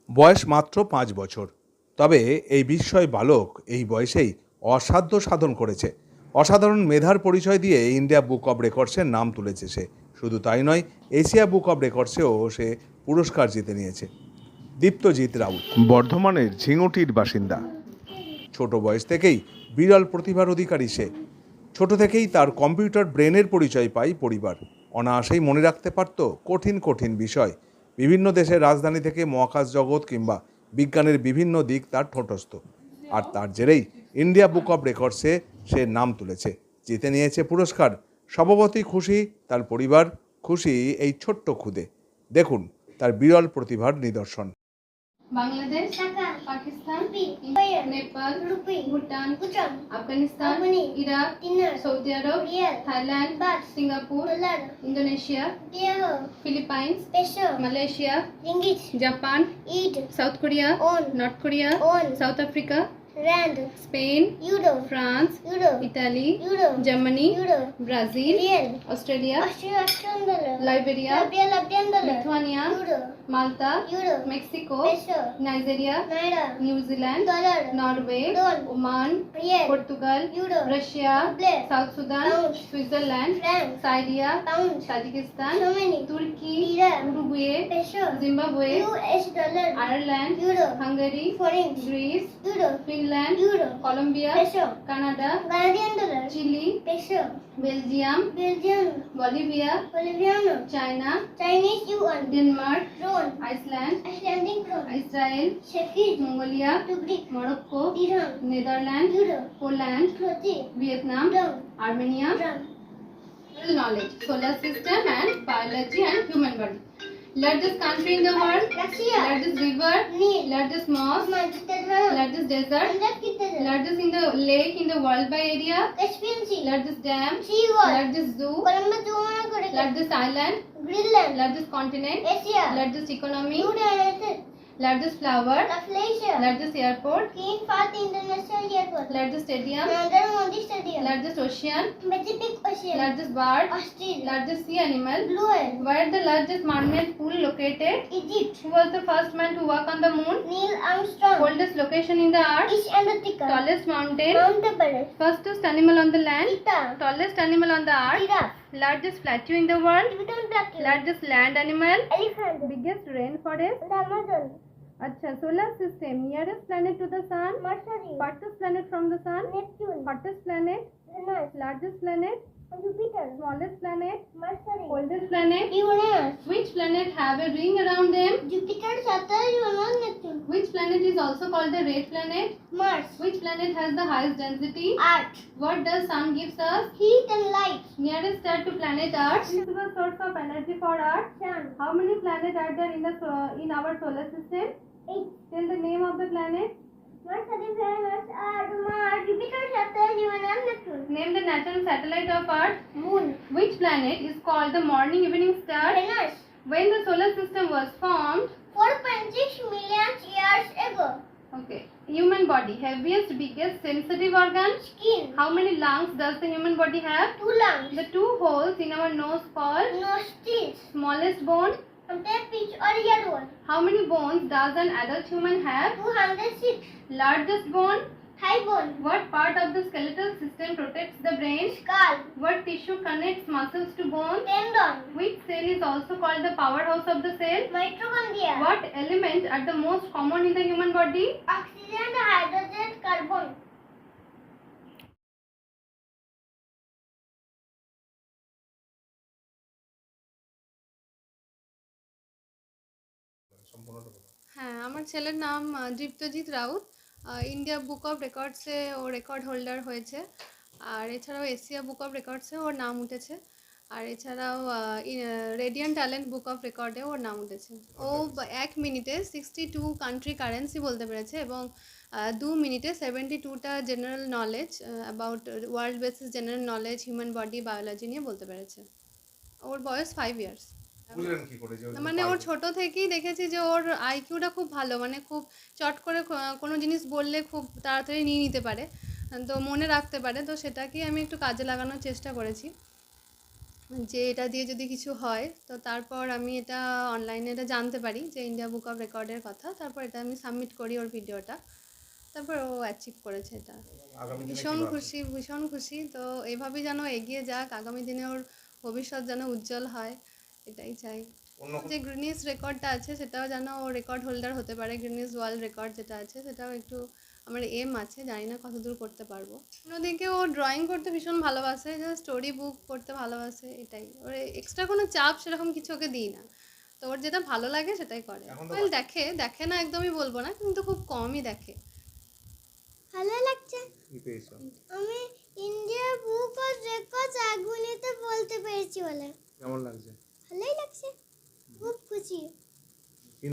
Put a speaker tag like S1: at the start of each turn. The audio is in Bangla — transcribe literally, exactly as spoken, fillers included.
S1: বয়স মাত্র পাঁচ বছর। তবে এই বিস্ময় বালক এই বয়সেই অসাধ্য সাধন করেছে। অসাধারণ মেধার পরিচয় দিয়ে ইন্ডিয়া বুক অব রেকর্ডসের নাম তুলেছে সে। শুধু তাই নয়, এশিয়া বুক অব রেকর্ডসেও সে পুরস্কার জিতে নিয়েছে। দীপ্তজিৎ রাউত বর্ধমানের ঝিঙুটির বাসিন্দা। ছোট বয়স থেকেই বিরল প্রতিভার অধিকারী সে। ছোট থেকেই তার কম্পিউটার ব্রেনের পরিচয় পায় পরিবার। অনায়াসেই মনে রাখতে পারত কঠিন কঠিন বিষয়। বিভিন্ন দেশের রাজধানী থেকে মহাকাশ জগৎ কিংবা বিজ্ঞানের বিভিন্ন দিক তার ঠোঁটস্থ। আর তার জেরেই ইন্ডিয়া বুক অব রেকর্ডসে সে নাম তুলেছে, জিতে নিয়েছে পুরস্কার। স্বভাবতই খুশি তার পরিবার, খুশি এই ছোট্ট খুদে। দেখুন তার বিরল প্রতিভার নিদর্শন।
S2: Bangladesh, Pakistan, Nepal, Bhutan, Afghanistan, Iraq, Saudi Arabia, Thailand, Singapore, Indonesia, Philippines, Malaysia, Japan, South Korea, North Korea, South Africa, Spain, France, Italy, Germany, Brazil, Australia, Liberia, Lithuania, Malta, Mexico, Nigeria, New Zealand, Norway, Oman, Portugal, Russia, South Sudan, Switzerland, Syria, Tajikistan, Turkey, Uruguay, Zimbabwe, Ireland, Hungary, Greece, Finland, Colombia, Canada, Chile, Belgium, Bolivia, China, Denmark, Iceland, Israel, Mongolia, Morocco, Netherland, Poland, Vietnam, Armenia. Knowledge, solar system and biology and human body. Largest country in the world, largest river, largest mosque, largest desert, largest in the lake in the world by area, largest dam, largest zoo, largest island, largest continent, largest economy, largest flower, largest airport, largest stadium, largest ocean, largest bird, largest sea animal, where the largest man-made pool located,
S3: Egypt,
S2: who was the first man to walk on the moon,
S3: Neil Armstrong,
S2: coldest location in the earth,
S3: East Antarctica,
S2: tallest mountain,
S3: Mount Everest,
S2: fastest animal on the land,
S3: cheetah,
S2: tallest animal on the earth,
S3: giraffe,
S2: largest plateau in the world,
S3: Tibetan plateau,
S2: largest land animal,
S3: elephant,
S2: biggest rainforest.
S3: the Amazon,
S2: Acha, solar system, nearest planet to the sun,
S3: Mercury,
S2: farthest planet from the sun,
S3: Neptune,
S2: hottest planet,
S3: Venus,
S2: largest planet,
S3: Jupiter,
S2: smallest planet,
S3: Mercury,
S2: coldest planet.
S3: Uranus,
S2: Which planet have a ring around them?
S3: Jupiter, Saturn, Uranus, Neptune,
S2: Which planet is also called the red planet?
S3: Mars,
S2: Which planet has the highest density?
S3: Earth,
S2: What does sun gives us?
S3: heat and light,
S2: Nearest star to planet Earth. Principal source of energy for Earth.
S3: sun,
S2: How many planets are there in the so- in our solar system?
S3: eight,
S2: Tell the name of the planet.
S3: Mercury, Venus, Earth, Mars, Jupiter, Saturn, Uranus, Neptune,
S2: Name the natural satellite of Earth.
S3: Moon,
S2: Which planet is called the morning evening star?
S3: Venus,
S2: When the solar system was formed?
S3: four point six million years ago,
S2: Okay. Human body, heaviest, biggest, sensitive organ.
S3: skin,
S2: How many lungs does the human body have?
S3: two lungs,
S2: The two holes in our nose called
S3: nostrils,
S2: smallest bone.
S3: sometimes pitch or ear one,
S2: How many bones does an adult human have?
S3: two hundred six,
S2: Largest bone.
S3: thigh bone,
S2: What part of the skeletal system protects the brain?
S3: skull,
S2: What tissue connects muscles to bone?
S3: tendon,
S2: Which cell is also called the powerhouse of the cell?
S3: mitochondria,
S2: What elements are the most common in the human body?
S3: oxygen, hydrogen, carbon.
S4: হ্যাঁ, আমার ছেলের নাম আহ, দীপ্তজিৎ রাউত। আহ, ইন্ডিয়া বুক অফ রেকর্ডসে ও রেকর্ড হোল্ডার হয়েছে। আর এছাড়াও এশিয়া বুক অফ রেকর্ডসে ওর নাম উঠেছে। আর এছাড়াও রেডিয়ান ট্যালেন্ট বুক অফ রেকর্ডে ওর নাম উঠেছে। ও বা- এক মিনিটে সিক্সটি টু কান্ট্রি কারেন্সি বলতে পেরেছে এবং আহ, দু মিনিটে সেভেন্টি টুটা general knowledge about world basis general knowledge human body biology নিয়ে বলতে পেরেছে। ওর বয়স ফাইভ ইয়ার্স।
S1: বুঝলেন কি করে যে ও
S4: মানে ওর
S1: পারবে?
S4: ছোট থেকেই দেখেছি যে ওর আইকিউটা খুব ভালো, মানে খুব চট করে ক- কোনো জিনিস বললে খুব তাড়াতাড়ি নিয়ে নিতে পারে, তো মনে রাখতে পারে। তো সেটাকেই আমি একটু কাজে লাগানোর চেষ্টা করেছি। যে এটা দিয়ে যদি কিছু হয় তো তারপর আমি এটা অনলাইনে এটা জানতে পারি যে ইন্ডিয়া বুক অফ রেকর্ডের কথা, তারপর এটা আমি সাবমিট করি ওর ভিডিওটা, তারপর ও অ্যাচিভ করেছে এটা। ভীষণ খুশি, ভীষণ খুশি। তো এইভাবেই যেন এগিয়ে যাক, আগামী দিনে ওর ভবিষ্যৎ যেন উজ্জ্বল হয়, এটাই চাই। যে গ্রিনিস রেকর্ডটা আছে সেটাও যেন ও রেকর্ড হোল্ডার হতে পারে, গ্রিনিস ওয়ার্ল্ড রেকর্ড যেটা আছে সেটাও একটু আমার এম আছে, জানি না কতদূর করতে পারবো। অন্যদিকে ও ড্রয়িং করতে ভীষণ ভালোবাসে, যে স্টোরি বুক পড়তে ভালোবাসে, এটাই। ওর এক্সট্রা কোনো চাপ সেরকম কিছু ওকে দিই না, তো ওর যেটা ভালো লাগে সেটাই করে। ওয়েল দেখে দেখে না একদমই বলবো না, কিন্তু খুব কমই দেখে।
S3: ভালো লাগছে। আমি ইন্ডিয়া বুক অফ রেকর্ডস এক মিনিটে বলতে পেরেছি বলে
S1: কেমন লাগছে?
S3: ভালোই লাগছে, খুব খুশি।